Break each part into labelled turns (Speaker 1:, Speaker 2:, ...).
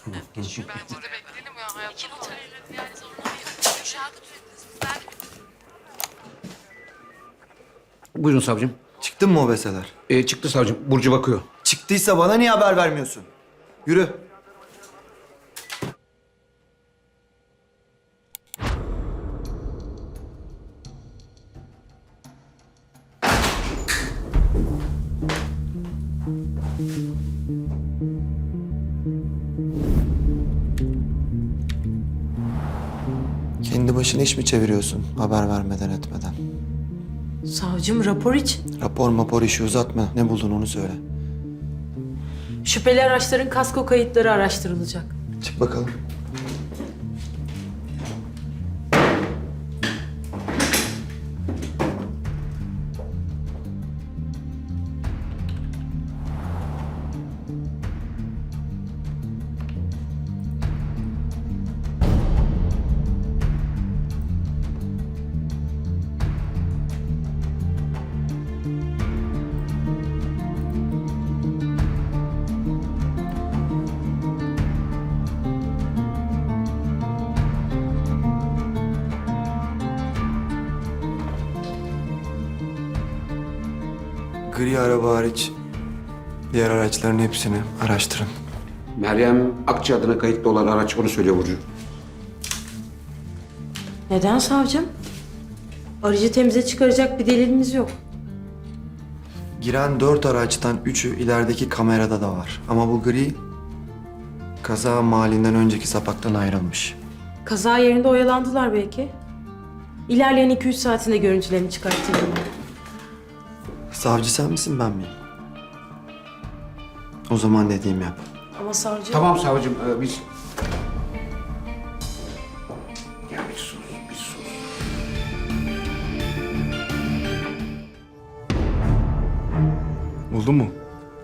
Speaker 1: Geçiyor bence de bekleyelim ya hayatım. İki noter yani sonra şarkı türetiniz.
Speaker 2: Buyurun savcım.
Speaker 3: Çıktın mı o beseler?
Speaker 2: Çıktı savcım. Burcu bakıyor.
Speaker 3: Çıktıysa bana niye haber vermiyorsun? Yürü. Kendi başına iş mi çeviriyorsun haber vermeden etmeden?
Speaker 4: Savcım rapor için.
Speaker 3: Rapor işi uzatma. Ne buldun onu söyle.
Speaker 4: Şüpheli araçların kasko kayıtları araştırılacak.
Speaker 3: Çık bakalım. Gri araba hariç diğer araçların hepsini araştırın.
Speaker 2: Meryem Akça adına kayıtlı olan araç, onu söylüyor Burcu.
Speaker 4: Neden savcım? Aracı temize çıkaracak bir delilimiz yok.
Speaker 3: Giren 4 araçtan 3'ü ilerideki kamerada da var. Ama bu gri kaza mahallinden önceki sapaktan ayrılmış.
Speaker 4: Kaza yerinde oyalandılar belki. İlerleyen 2-3 saatinde görüntülerini çıkartırım.
Speaker 3: Savcı sen misin ben miyim? O zaman dediğimi yap.
Speaker 4: Ama savcı...
Speaker 2: Tamam savcım, biz... Ya bir sus, bir sus.
Speaker 5: Buldun mu?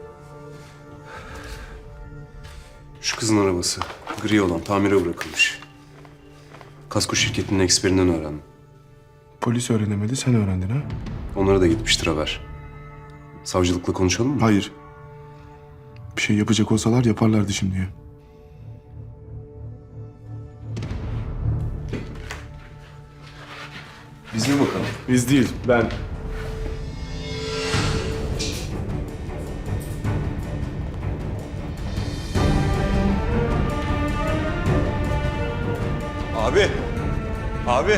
Speaker 6: Şu kızın arabası. Gri olan, tamire bırakılmış. Kasko şirketinin eksperinden öğrendim.
Speaker 5: Polis öğrenemedi, sen öğrendin ha?
Speaker 6: Onlara da gitmiştir haber. Savcılıkla konuşalım mı?
Speaker 5: Hayır. Bir şey yapacak olsalar yaparlardı şimdiye.
Speaker 6: Biz mi bakalım?
Speaker 5: Biz değil, ben.
Speaker 6: Abi! Abi!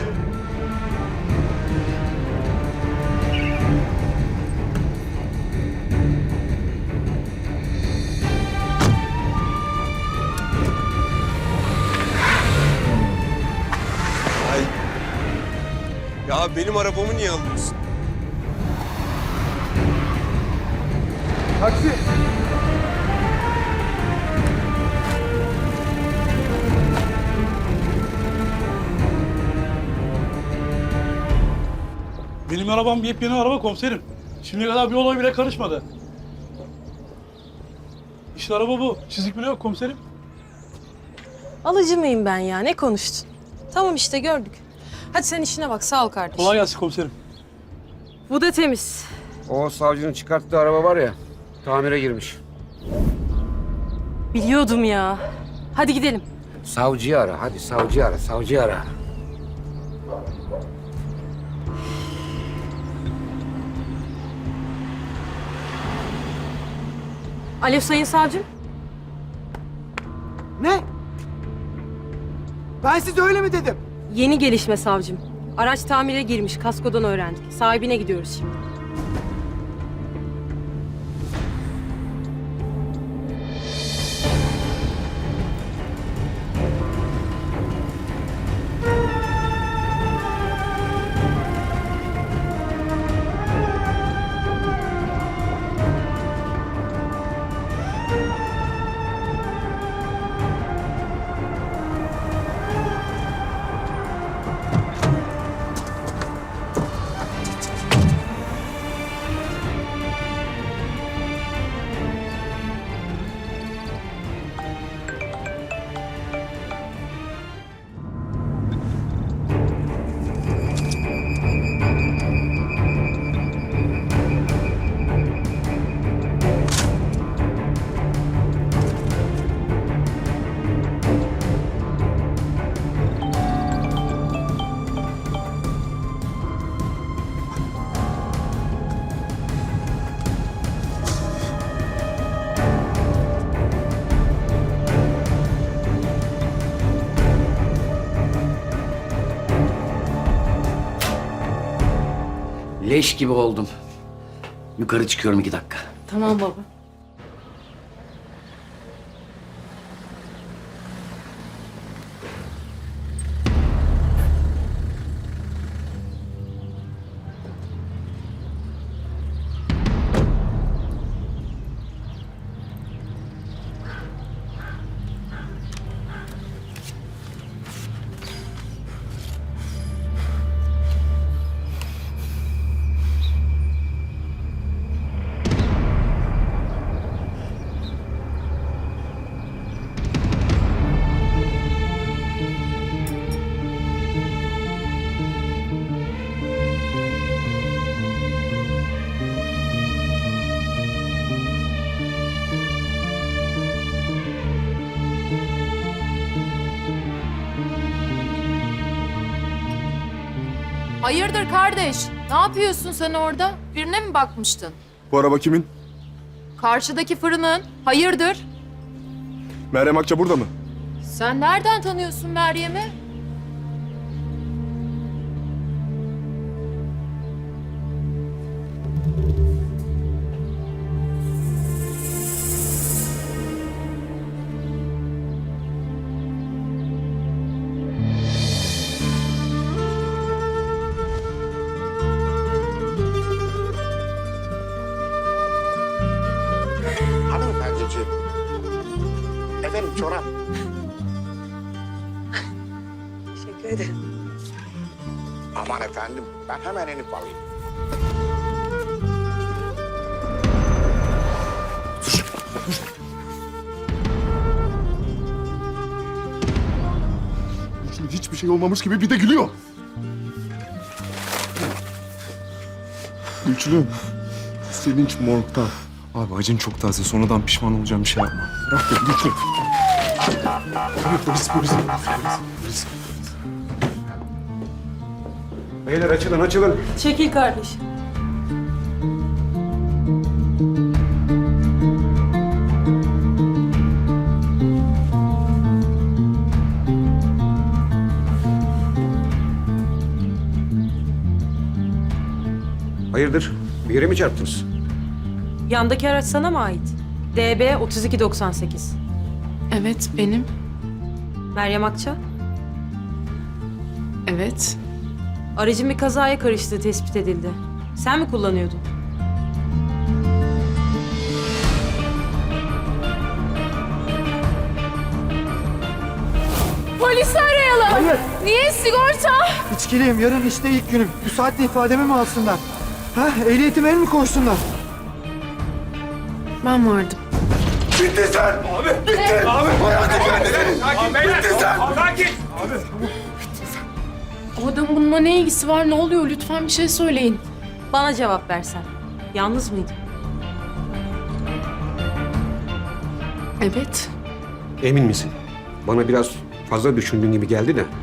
Speaker 6: Ay! Ya benim arabamı niye alıyorsun?
Speaker 5: Taksi!
Speaker 7: Benim arabam yepyeni araba komiserim. Şimdiye kadar bir olay bile karışmadı. İşte araba bu. Çizik bile yok komiserim.
Speaker 4: Alıcı mıyım ben ya? Ne konuştun? Tamam işte gördük. Hadi sen işine bak. Sağ ol kardeşim.
Speaker 7: Kolay gelsin komiserim.
Speaker 4: Bu da temiz.
Speaker 2: O savcının çıkarttığı araba var ya, tamire girmiş.
Speaker 4: Biliyordum ya. Hadi gidelim.
Speaker 2: Savcıyı ara, hadi savcıyı ara, savcıyı ara.
Speaker 4: Alo sayın savcım.
Speaker 3: Ne? Ben size öyle mi dedim?
Speaker 4: Yeni gelişme savcım. Araç tamire girmiş. Kaskodan öğrendik. Sahibine gidiyoruz şimdi.
Speaker 8: Leş gibi oldum. Yukarı çıkıyorum 2 dakika.
Speaker 4: Tamam baba.
Speaker 1: Hayırdır kardeş? Ne yapıyorsun sen orada? Birine mi bakmıştın?
Speaker 5: Bu araba kimin?
Speaker 1: Karşıdaki fırının. Hayırdır?
Speaker 5: Meryem Akça burada mı?
Speaker 1: Sen nereden tanıyorsun Meryem'i?
Speaker 9: Hanımefendiciğim. Efendim çorap.
Speaker 4: Teşekkür ederim.
Speaker 9: Aman efendim ben hemen inip alayım.
Speaker 5: Şimdi hiçbir şey olmamış gibi bir de gülüyor. Güçlü. Sevinç morgda.
Speaker 6: Abi acın çok taze. Sonradan pişman olacağım, bir şey yapma.
Speaker 5: Bırak beni Güçlü. Polis.
Speaker 2: Beyler açılın açılın.
Speaker 4: Çekil kardeş.
Speaker 2: Hayırdır? Bir yere mi çarptınız?
Speaker 4: Yandaki araç sana mı ait? DB 3298.
Speaker 1: Evet, benim.
Speaker 4: Meryem Akça.
Speaker 1: Evet.
Speaker 4: Aracın bir kazaya karıştığı tespit edildi. Sen mi kullanıyordun?
Speaker 1: Polisi arayalım.
Speaker 3: Hayır.
Speaker 1: Niye sigorta?
Speaker 3: İçkiliyim. Yarın işte ilk günüm. Bu saatte ifademi mi alsınlar? Ha? Ehliyetime el mi koysunlar?
Speaker 1: Ben vardım.
Speaker 9: Bitti sen. Abi. Bitti. Abi. Hayatı kendini. Bitti sen.
Speaker 1: O adamın bununla ne ilgisi var? Ne oluyor? Lütfen bir şey söyleyin.
Speaker 4: Bana cevap versen. Yalnız mıydın?
Speaker 1: Evet.
Speaker 2: Emin misin? Bana biraz fazla düşündüğün gibi geldi de.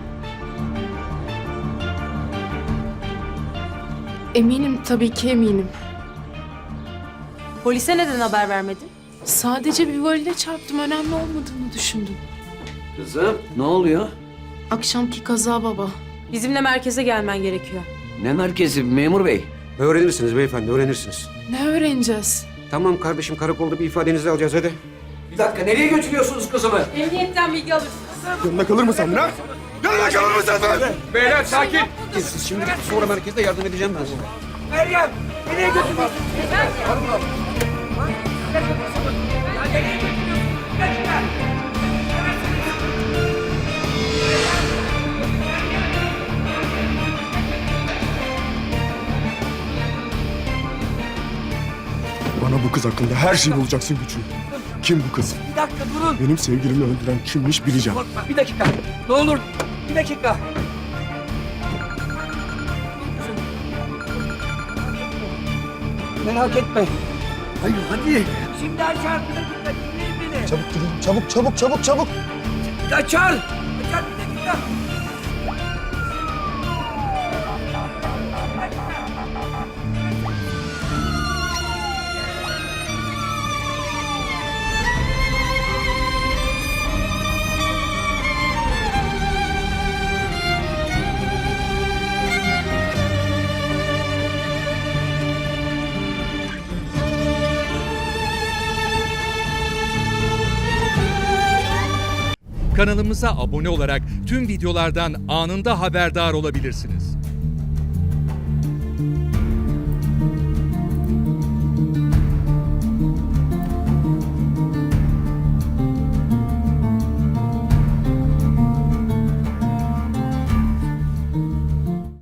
Speaker 1: Eminim, tabii ki eminim.
Speaker 4: Polise neden haber vermedin?
Speaker 1: Sadece bir varile çarptım. Önemli olmadığını düşündüm.
Speaker 8: Kızım ne oluyor?
Speaker 1: Akşamki kaza baba.
Speaker 4: Bizimle merkeze gelmen gerekiyor.
Speaker 8: Ne merkezi memur bey?
Speaker 2: Öğrenirsiniz beyefendi, öğrenirsiniz.
Speaker 1: Ne öğreneceğiz?
Speaker 2: Tamam kardeşim, karakolda bir ifadenizi alacağız hadi.
Speaker 8: Bir dakika nereye götürüyorsunuz kızımı?
Speaker 4: Emniyetten bilgi alırsın.
Speaker 5: Yanına kalır mı sen lan? Yanına kalır mı sen lan?
Speaker 2: Beyler sakin. Siz şimdi sonra merkezde yardım edeceğim ben size.
Speaker 5: Bana bu kız hakkında her şeyi bulacaksın Güçlü. Kim bu kız?
Speaker 8: Bir dakika durun.
Speaker 5: Benim sevgilimi öldüren kimmiş bileceğim.
Speaker 8: Korkma bir dakika. Ne olur bir dakika. Merak etme. Hayır hadi. Şimdi her şarkıda gitme. Dinleyin beni.
Speaker 5: Çabuk gidin. Çabuk.
Speaker 8: Kaçar. Kaçar bir dakika.
Speaker 10: Kanalımıza abone olarak tüm videolardan anında haberdar olabilirsiniz.